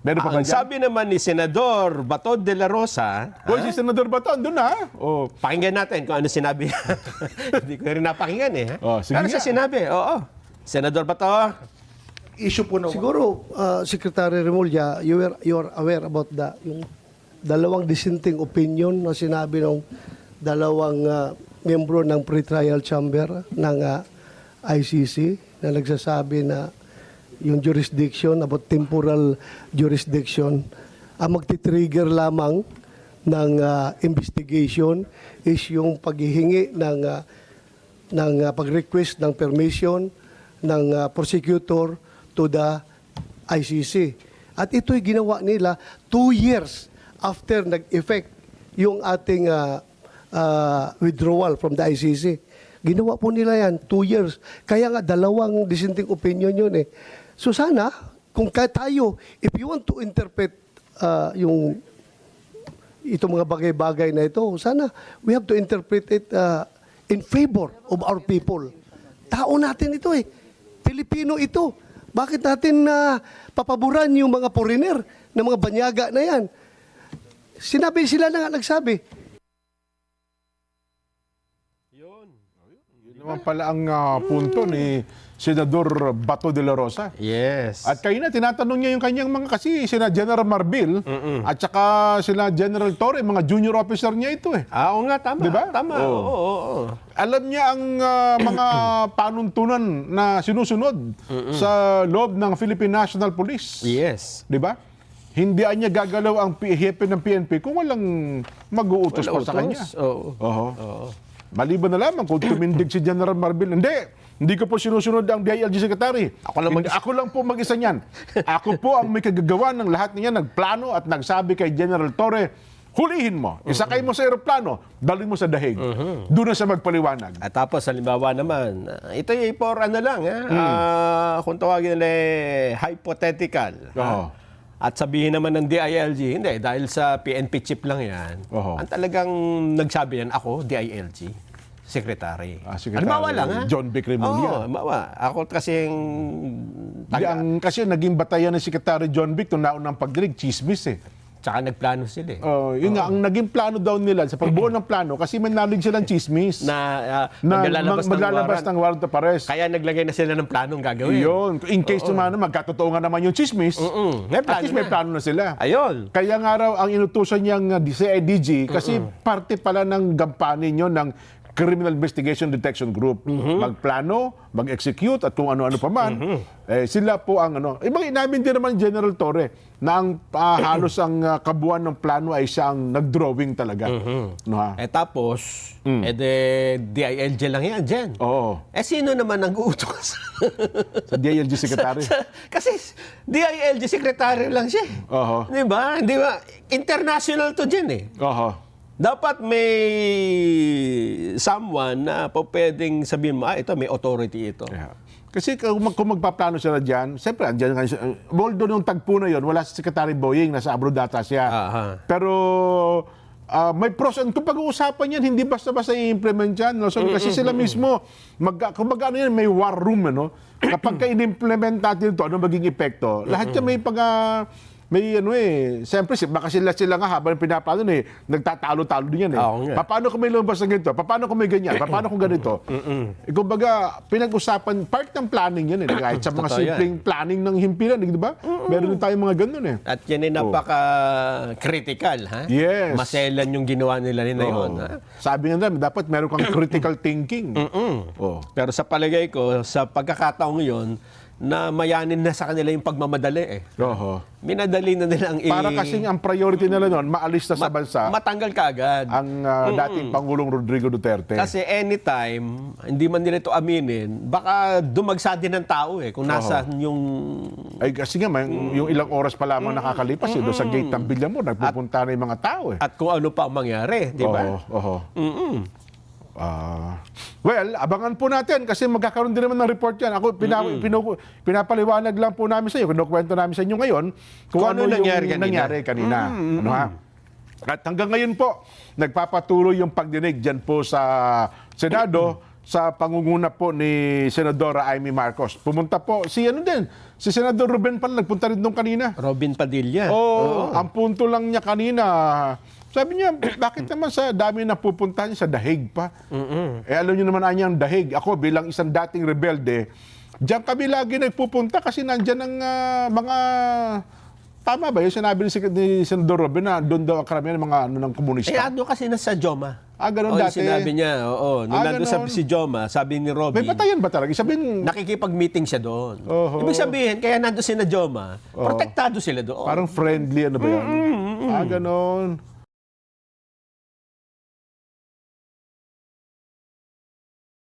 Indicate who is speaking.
Speaker 1: Meron pa ba
Speaker 2: Ang
Speaker 1: dyan?
Speaker 2: sabi naman ni Senador Bato de la Rosa,
Speaker 1: Hoy, si Senador Bato, andun na. Oh.
Speaker 2: pakinggan natin kung ano sinabi. Hindi ko rin napakinggan eh.
Speaker 1: Oh, sige
Speaker 2: Pero
Speaker 1: nga.
Speaker 2: siya sinabi, oo. Senador Bato,
Speaker 3: Issue po na
Speaker 4: Siguro, Secretary Remulla, you are aware about yung dalawang dissenting opinion na sinabi ng dalawang membro ng pre-trial chamber ng ICC na nagsasabi na yung jurisdiction, about temporal jurisdiction, ang magti-trigger lamang ng investigation is yung paghihingi ng pag-request ng permission ng prosecutor to the ICC. At ito'y ginawa nila 2 years after nag-effect yung ating withdrawal from the ICC. Ginawa po nila yan 2 years. Kaya nga dalawang dissenting opinion yun eh. So sana, kung tayo, if you want to interpret itong mga bagay-bagay na ito, sana we have to interpret it in favor of our people. Tao natin ito eh. Pilipino ito. Bakit natin papaboran yung mga foreigner na mga banyaga na yan? Sinabi sila na nga nagsabi.
Speaker 1: Yun naman pala ang punto ni Senador Bato de la Rosa.
Speaker 2: yes.
Speaker 1: At kayo na, tinatanong niya yung kanyang mga kasi sina General Marbil at saka sila General Torre, mga junior officer niya ito eh.
Speaker 2: Oo nga, tama.
Speaker 1: Diba?
Speaker 2: Tama,
Speaker 1: Oo.
Speaker 2: oo.
Speaker 1: Alam niya ang mga panuntunan na sinusunod sa loob ng Philippine National Police.
Speaker 2: Yes.
Speaker 1: Di ba? Hindi niya gagalaw ang hepe ng PNP kung walang mag-uutos pa sa kanya.
Speaker 2: Oo.
Speaker 1: Oho.
Speaker 2: Oo.
Speaker 1: Maliban na lamang kung tumindig si General Marbil. Hindi ko po sinusunod ang DILG Secretary. Ako lang po mag-isa niyan. Ako po ang may kagagawa ng lahat niya, nagplano at nagsabi kay General Torre, hulihin mo, isakay mo sa aeroplano, dalhin mo sa dahig. Doon na siya magpaliwanag.
Speaker 2: At tapos, halimbawa naman, ito ay for ano lang, kung tawagin nila hypothetical.
Speaker 1: Oo.
Speaker 2: At sabihin naman ng DILG, hindi, dahil sa PNP chip lang yan.
Speaker 1: Oo.
Speaker 2: Ang talagang nagsabi yan, ako, DILG, Secretary.
Speaker 1: Secretary
Speaker 2: Halimbawa lang, ha?
Speaker 1: John Vic Remulla.
Speaker 2: Oo, halimbawa. Ako kasing...
Speaker 1: Kasi naging batayan ni Secretary John Vic nung naunang pagdinig, chismis eh.
Speaker 2: Tsaka nagplano sila eh.
Speaker 1: Yun nga, ang naging plano daw nila sa pagbuo ng plano, kasi may knowledge silang chismis
Speaker 2: Na
Speaker 1: maglalabas ng warrant of arrest.
Speaker 2: Kaya naglagay na sila ng planong gagawin.
Speaker 1: Yun. In case naman magkatotoo nga naman yung chismis,
Speaker 2: May
Speaker 1: at
Speaker 2: plano
Speaker 1: least may
Speaker 2: na.
Speaker 1: plano na sila.
Speaker 2: Ayun.
Speaker 1: Kaya nga raw ang inutusan niyang CIDG kasi parte pala ng gampanin nyo ng Criminal Investigation Detection Group. Magplano, mag-execute at kung ano-ano pa man. Sila po ang ano. Ibang inamin din naman General Torre na ang halos ang kabuuan ng plano ay siya ang nag-drawing talaga. No, ha?
Speaker 2: Tapos, DILG lang yan, Jen.
Speaker 1: Oo.
Speaker 2: Sino naman ang uutos?
Speaker 1: Sa DILG Secretary.
Speaker 2: Kasi DILG Secretary lang siya.
Speaker 1: Oo.
Speaker 2: Di ba? Di ba? International to, Jen eh.
Speaker 1: Oo.
Speaker 2: Dapat may someone na po pwedeng sabihin mo, ito, may authority ito.
Speaker 1: Yeah. Kasi kung magpaplano sila dyan, siyempre, andyan nga, although nung tagpo na yun, wala si Secretary Boying, nasa abroad data siya.
Speaker 2: Aha.
Speaker 1: Pero may pros and kung pag-uusapan yan, hindi basta-basta i-implement yan. No? So, kasi sila mismo, kung ano yan, may war room. Ano? Kapag ka-in-implement natin ito, ano maging epekto? Lahat yan may may ano siyempre baka sila nga habang pinaplano nagtatalo-talo din yan eh.
Speaker 2: Oo nga.
Speaker 1: Paano kung may lumabas na ganito? Paano kung may ganyan? Paano kung ganito? Kumbaga, pinag-usapan, part ng planning yan eh. Kahit sa mga
Speaker 2: Totoo
Speaker 1: simpleng planning ng himpilan, di ba? Meron din tayong mga ganun eh.
Speaker 2: At yan ay napaka-critical, ha?
Speaker 1: Yes.
Speaker 2: Maselan yung ginawa nila yun, ha?
Speaker 1: Sabi nga namin, dapat meron kang critical thinking. Oh.
Speaker 2: Pero sa palagay ko, sa pagkakataong yun, na mayanin na sa kanila yung pagmamadali eh.
Speaker 1: Oho.
Speaker 2: Minadali na nila ang
Speaker 1: Para kasing ang priority nila noon, maalis na sa bansa
Speaker 2: matanggal ka agad.
Speaker 1: ang dating Pangulong Rodrigo Duterte.
Speaker 2: Kasi anytime, hindi man nila ito aminin, baka dumagsa din ng tao eh, kung nasa yung...
Speaker 1: Ay kasi nga, yung ilang oras pa lamang nakakalipas, doon sa gate ng Villamor, nagpupunta na yung mga tao eh.
Speaker 2: At kung ano pa ang mangyari, di ba?
Speaker 1: Oho. Well, abangan po natin kasi magkakaroon din naman ng report yan. Ako, pinapaliwanag lang po namin sa iyo, kinukwento namin sa inyo ngayon kung ano yung nangyari kanina. Ano ha? At hanggang ngayon po, nagpapatuloy yung pagdinig dyan po sa Senado sa pangunguna po ni Senadora Amy Marcos. Pumunta po si Senador Ruben pala nagpunta rin doon kanina.
Speaker 2: Robin Padilla.
Speaker 1: Ang punto lang niya kanina, sabi niya, bakit naman sa dami na pupuntahan niya sa dahig pa? Alam niyo naman ang dahig. Ako bilang isang dating rebelde, diyan kami lagi nagpupunta kasi nandyan ang mga... Tama ba yung sinabi ni Senador Robin na doon daw ang karamihan ng mga ng komunista?
Speaker 2: Ano kasi nasa Joma.
Speaker 1: Ganun
Speaker 2: Yung
Speaker 1: dati.
Speaker 2: sinabi niya, nung nandun
Speaker 1: ganun.
Speaker 2: si Joma, sabi ni Robin,
Speaker 1: May batayan ba talaga? Sabihin,
Speaker 2: nakikipag-meeting siya doon.
Speaker 1: Oho.
Speaker 2: Ibig sabihin, kaya nandun si na Joma, protektado sila doon.
Speaker 1: parang friendly, ano ba yan? Ganon.